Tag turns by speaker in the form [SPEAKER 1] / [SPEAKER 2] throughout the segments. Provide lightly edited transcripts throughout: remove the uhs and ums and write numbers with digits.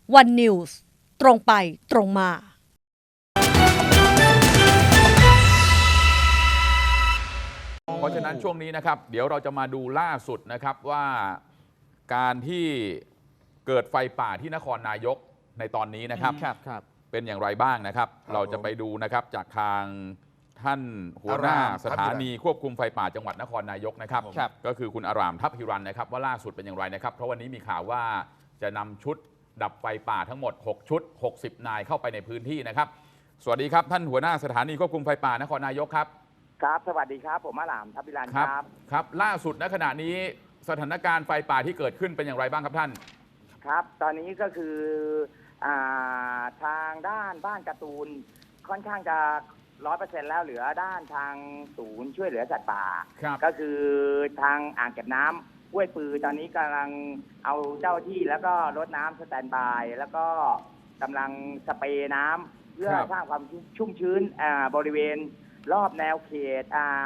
[SPEAKER 1] วันนิวส์ตรงไปตรงมา
[SPEAKER 2] เพราะฉะนั้นช่วงนี้นะครับเดี๋ยวเราจะมาดูล่าสุดนะครับว่าการที่เกิดไฟป่าที่นครนายกในตอนนี้นะครับเป็นอย่างไรบ้างนะครับเราจะไปดูนะครับจากทางท่านหัวหน้าสถานีควบคุมไฟป่าจังหวัดนครนายกนะครับก็คือคุณอารามทัพฮิรันนะครับว่าล่าสุดเป็นอย่างไรนะครับเพราะวันนี้มีข่าวว่าจะนำชุดดับไฟป่าทั้งหมด6ชุด60นายเข้าไปในพื้นที่นะครับสวัสดีครับท่านหัวหน้าสถานีควบคุมไฟป่านครนายกครับ
[SPEAKER 3] ครับสวัสดีครับผมอารามทัพฮิรันครับ
[SPEAKER 2] ครับล่าสุดณขณะนี้สถานการณ์ไฟป่าที่เกิดขึ้นเป็นอย่างไรบ้างครับท่าน
[SPEAKER 3] ครับตอนนี้ก็คือทางด้านบ้านการ์ตูนค่อนข้างจะ100%แล้วเหลือด้านทางศูนย์ช่วยเหลือสัตว์ป่าก็คือทางอ่างเก็บน้ำห้วยปือตอนนี้กำลังเอาเจ้าที่แล้วก็รถน้ำสแตนด์บายแล้วก็กำลังสเปรย์น้ำเพื่อสร้างความชุ่มชื้นบริเวณรอบแนวเขต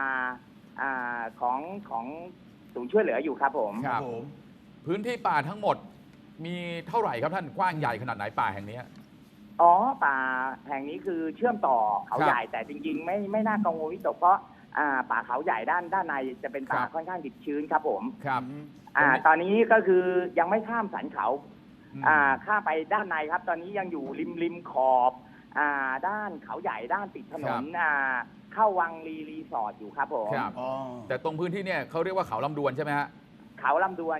[SPEAKER 3] ของศูนย์ช่วยเหลืออยู่ครับผม
[SPEAKER 2] พื้นที่ป่าทั้งหมดมีเท่าไหร่ครับท่านกว้างใหญ่ขนาดไหนป่าแห่งนี้
[SPEAKER 3] อ๋อป่าแห่งนี้คือเชื่อมต่อเขาใหญ่แต่จริงๆไม่น่ากังวลวิตกเพราะป่าเขาใหญ่ด้านในจะเป็นป่าค่อนข้างดิบชื้นครับผม
[SPEAKER 2] ครับ
[SPEAKER 3] ตอนนี้ก็คือยังไม่ข้ามสันเขาข้ามไปด้านในครับตอนนี้ยังอยู่ริมขอบด้านเขาใหญ่ด้านติดถนนเข้าวังรีสอร์ทอยู่ครับผม
[SPEAKER 2] แต่ตรงพื้นที่เนี่ยเขาเรียกว่าเขาลำดวนใช่ไหมฮะ
[SPEAKER 3] เขาลำดวน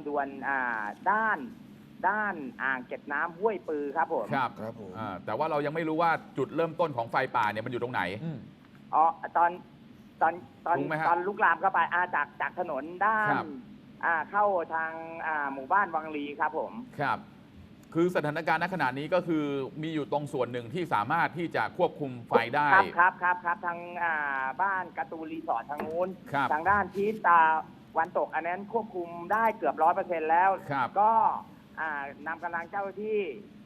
[SPEAKER 3] ด้านอ่างเก็บน้ำห้วยปือครับผม
[SPEAKER 2] ครับผมแต่ว่าเรายังไม่รู้ว่าจุดเริ่มต้นของไฟป่าเนี่ยมันอยู่ตรงไหน
[SPEAKER 3] อ๋อตอนลุกลามเข้าไปจากถนนด้านเข้าทางหมู่บ้านวังลีครับผม
[SPEAKER 2] ครับคือสถานการณ์ณขณะนี้ก็คือมีอยู่ตรงส่วนหนึ่งที่สามารถที่จะควบคุมไฟได้
[SPEAKER 3] ครับทางบ้านการ์ตูนรีสอร์ททางนู้นทางด้านทิศตะวันตกอันนั้นควบคุมได้เกือบ100%แล้วก็นำกำลังเจ้าที่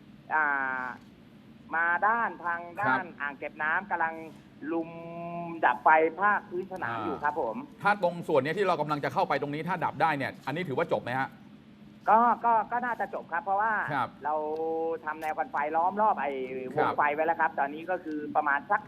[SPEAKER 3] มาทางด้านอ่างเก็บน้ำกำลังลุมดับไฟภาคพื้นสนามอยู่ครับผม
[SPEAKER 2] ถ้าตรงส่วนนี้ที่เรากำลังจะเข้าไปตรงนี้ถ้าดับได้เนี่ยอันนี้ถือว่าจบไหมฮะ
[SPEAKER 3] ก็น่าจะจบครับเพราะว่าเราทำแนวกันไฟล้อมรอบไอ้วงไฟไว้แล้วครับตอนนี้ก็คือประมาณสัก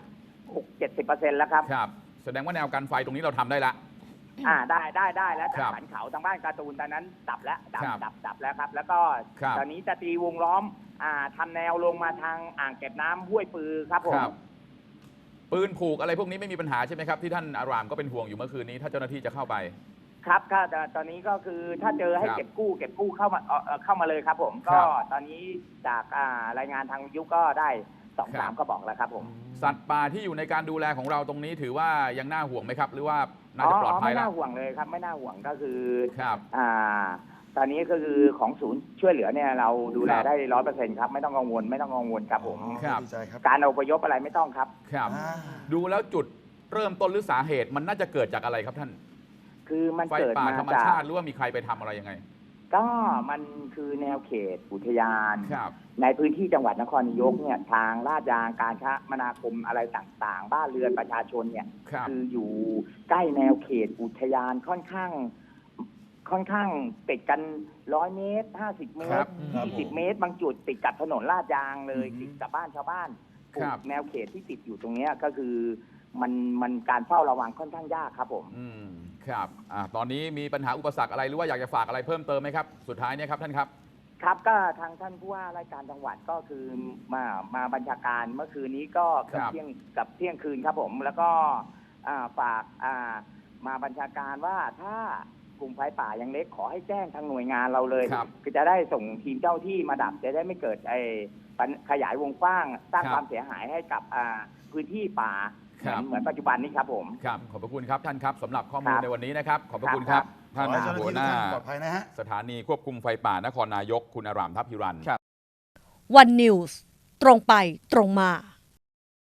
[SPEAKER 3] 60-70% แล้วครับ
[SPEAKER 2] แสดงว่าแนวกันไฟตรงนี้เราทำได้ละ
[SPEAKER 3] ได้แล้วจากสันเขาทางบ้านการ์ตูนตอนนั้นดับแล้วดับแล้วครับแล้วก็ตอนนี้จะตีวงล้อมทำแนวลงมาทางอ่างเก็บน้ำห้วยปือครับผม
[SPEAKER 2] ปืนผูกอะไรพวกนี้ไม่มีปัญหาใช่ไหมครับที่ท่านอารามก็เป็นห่วงอยู่เมื่อคืนนี้ถ้าเจ้าหน้าที่จะเข้าไป
[SPEAKER 3] ครับตอนนี้ก็คือถ้าเจอให้เก็บกู้เข้ามาเลยครับผมก็ตอนนี้จากรายงานทางยุก็ได้2-3ก็บอกแล้วครับผม
[SPEAKER 2] สัตว์ป่าที่อยู่ในการดูแลของเราตรงนี้ถือว่ายังน่าห่วงไหมครับหรือว่าน่าจะปลอดภัยแล้ว
[SPEAKER 3] ไม่น่าห่วงเลยครับไม่น่าห่วงก็คือตอนนี้ก็คือของศูนย์ช่วยเหลือเนี่ยเราดูแลได้100%ครับไม่ต้องกังวลครับผมการอพยพอะไรไม่ต้องครับ
[SPEAKER 2] ดูแล้วจุดเริ่มต้นหรือสาเหตุมันน่าจะเกิดจากอะไรครับท่าน
[SPEAKER 3] คือมันเกิดมา
[SPEAKER 2] ธรรมชาติหรือว่ามีใครไปทำอะไรยังไง
[SPEAKER 3] ก็มันคือแนวเขตอุทยานในพื้นที่จังหวัดนครนายกเนี่ยทางลาดยางการคมนาคมอะไรต่างๆบ้านเรือนประชาชนเนี่ยคืออยู่ใกล้แนวเขตอุทยานค่อนข้างติดกัน100 เมตร50 เมตร20 เมตรบางจุดติดกับถนนลาดยางเลยติดกับบ้านชาวบ้านแนวเขตที่ติดอยู่ตรงนี้ก็คือมันการเฝ้าระวังค่อนข้างยากครับผม
[SPEAKER 2] ครับตอนนี้มีปัญหาอุปสรรคอะไรหรือว่าอยากจะฝากอะไรเพิ่มเติมไหมครับสุดท้ายเนี่ยครับท่านครับ
[SPEAKER 3] ครับก็ทางท่านผู้ว่าราชการจังหวัดก็คือมาบัญชาการเมื่อคืนนี้ก็กับเที่ยงคืนครับผมแล้วก็ฝากมาบัญชาการว่าถ้ากลุ่มไฟป่ายังเล็กขอให้แจ้งทางหน่วยงานเราเลยคือจะได้ส่งทีมเจ้าที่มาดับจะได้ไม่เกิดขยายวงกว้างสร้างความเสียหายให้กับพื้นที่ป่าเหมือนปัจจุบันนี้ครับผม
[SPEAKER 2] ครับขอบพระคุณครับท่านครับสำหรับข้อมูลในวันนี้นะครับขอบพระคุณครับท่านหัวหน้าสถานีควบคุมไฟป่านครนายกคุณอารามทัพฮิรัน
[SPEAKER 1] วันนิวส์ตรงไปตรงมา